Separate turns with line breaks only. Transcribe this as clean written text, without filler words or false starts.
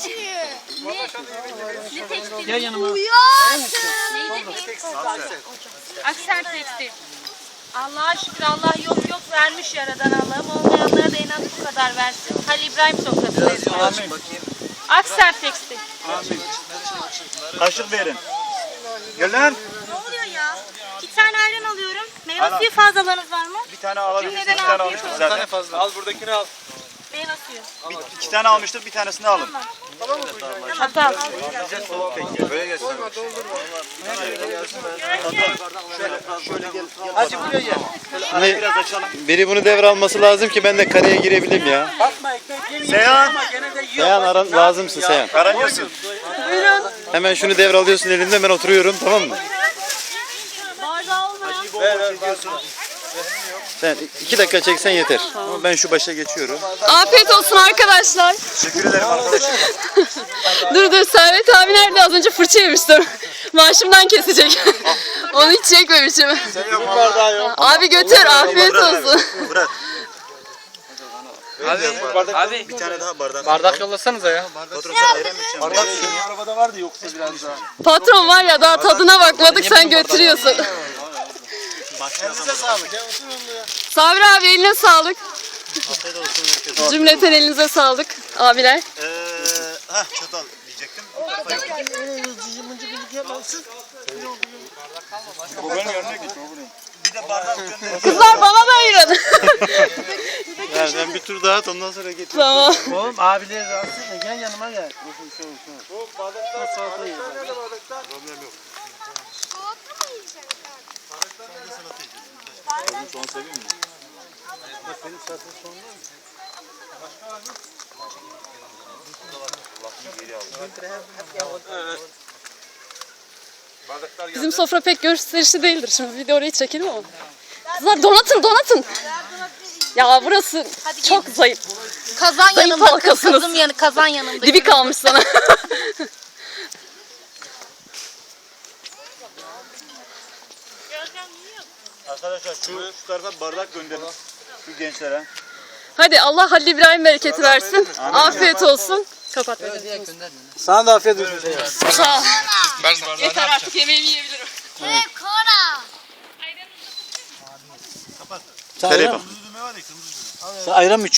Ne tekstil?
Gel yanıma.
Akser tekstil. Allah'a şükür Allah yok vermiş yaradan Allah'ım. Olmayanlara da en az bu kadar versin. Halil İbrahim sofrasındayız. Akser tekstil.
Kaşık verin. Gel lan.
Ne oluyor ya? 2 tane ayran alıyorum. Meyve suyu fazlalarınız var mı?
Bir tane alabilirsin.
Cümleden
Bir tane
afiyet
almıştık
olsun.
zaten.
Fazla. Al buradakini al.
Meyve suyu.
İki tane almıştık. Bir tanesini alın.
Çatal.
Böyle gelsin.
Hadi buraya gel.
Biraz açalım.
Biri bunu devralması lazım ki ben de kareye girebileyim ya.
Bakma ekmek yemeyin.
Seyhan.
Ama gene de yiyor.
Seyhan aran lazımsın Seyhan.
Karanıyorsun.
Hemen şunu devralıyorsun elinde ben oturuyorum tamam mı?
Bardağı olmayan.
Sen 2 dakika çeksen yeter. Ama ben şu başa geçiyorum.
Afiyet olsun arkadaşlar.
Teşekkür ederim arkadaşım.
Dur Servet abi nerede? Az önce fırça yemiştim. Maaşımdan kesecek. Onu hiç çekmemişim.
Bardağı yok.
Abi götür afiyet olsun.
Bırak.
Abi
Bir tane daha bardak.
bardak yollasanıza ya.
Patron sen ayran mı içeceksin?
Bardak arabada vardı yoksa biraz daha.
Patron var ya daha tadına bakmadık sen götürüyorsun.
Elinize sağlık.
Sabri abi eline sağlık. Cümleten elinize sağlık abiler.
Çatal diyecektim. Bir de bardak gönderin.
Kızlar bana da ayırın.
Yani sen bir tur daha at ondan sonra getir.
Tamam.
Oğlum abileri rahatsız etme. Gel yanıma gel.
Bizim sofra pek gösterişli değildir. Şimdi video orayı çekelim ama. Kızlar donatın. Ya burası çok zayıf.
Kazan
Zayıf
yanımda.
halkasınız.
Kazan yanımda.
Dibi kalmış sana.
Arkadaşlar şu tarafa bardak gönderin. Şu gençlere.
Hadi Allah Halil İbrahim bereketi versin. Afiyet olsun. Kapat.
Sana da afiyet olsun.
Sağ ol. Yeter artık yemeğimi yiyebilirim.
Nereye bak.
Sen ayran mı içiyorsun?